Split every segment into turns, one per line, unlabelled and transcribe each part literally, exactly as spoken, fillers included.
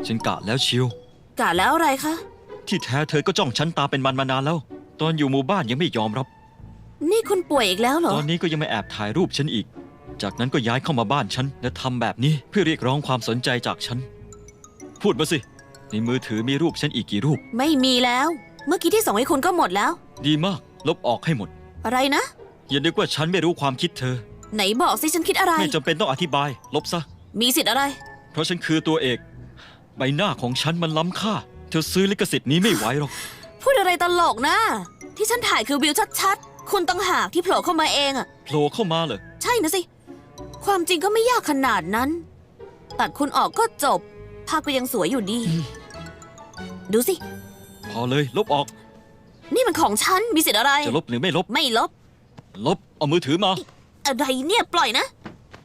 ฉันกะแล้วเชียว
กะแล้วอะไรคะ
ที่แท้เธอก็จ้องฉันตาเป็นมันมานานแล้วตอนอยู่หมู่บ้านยังไม่ยอมรับ
นี่คุณป่วยอีกแล้วเหรอ
ตอนนี้ก็ยังไม่แอบถ่ายรูปฉันอีกจากนั้นก็ย้ายเข้ามาบ้านฉันและทำแบบนี้เพื่อเรียกร้องความสนใจจากฉันพูดมาสิในมือถือมีรูปฉันอีกกี่รูป
ไม่มีแล้วเมื่อกี้ที่ส่งให้คุณก็หมดแล้ว
ดีมากลบออกให้หมด
อะไรนะ
อย่านึกว่าฉันไม่รู้ความคิดเธอ
ไหนบอกสิฉันคิดอะไร
ไม่จำเป็นต้องอธิบายลบซะ
มีสิทธิ์อะไร
เพราะฉันคือตัวเอกใบหน้าของฉันมันล้ำค่าเธอซื้อลิขสิทธิ์นี้ไม่ไหวหรอก
พูดอะไรตลกนะที่ฉันถ่ายคือวิวชัดๆคุณต่างหากที่โผล่เข้ามาเองอะ
โผล่เข้ามาเหรอ
ใช่นะสิความจริงก็ไม่ยากขนาดนั้นตัดคุณออกก็จบภาพก็ยังสวยอยู่ดีดูสิ
พอเลยลบออก
นี่มันของฉันมีสิทธิ์อะไร
จะลบหรือไม่ลบ
ไม่ลบ
ลบเอามือถือมา
อะไรเนี่ยปล่อยนะ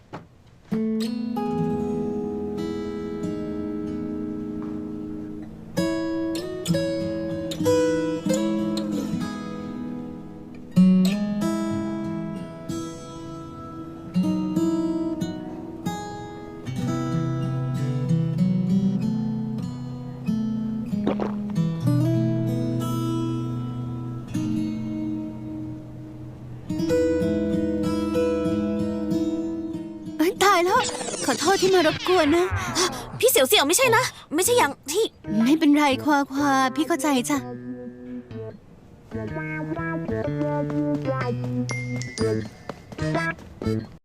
ตายแล้วขอโทษที่มารบกวนนะ
พี่เสี่ยวเสี่ยวไม่ใช่นะไม่ใช่อย่างที่
ไม่เป็นไรควาควาพี่เข้าใจจ้ะ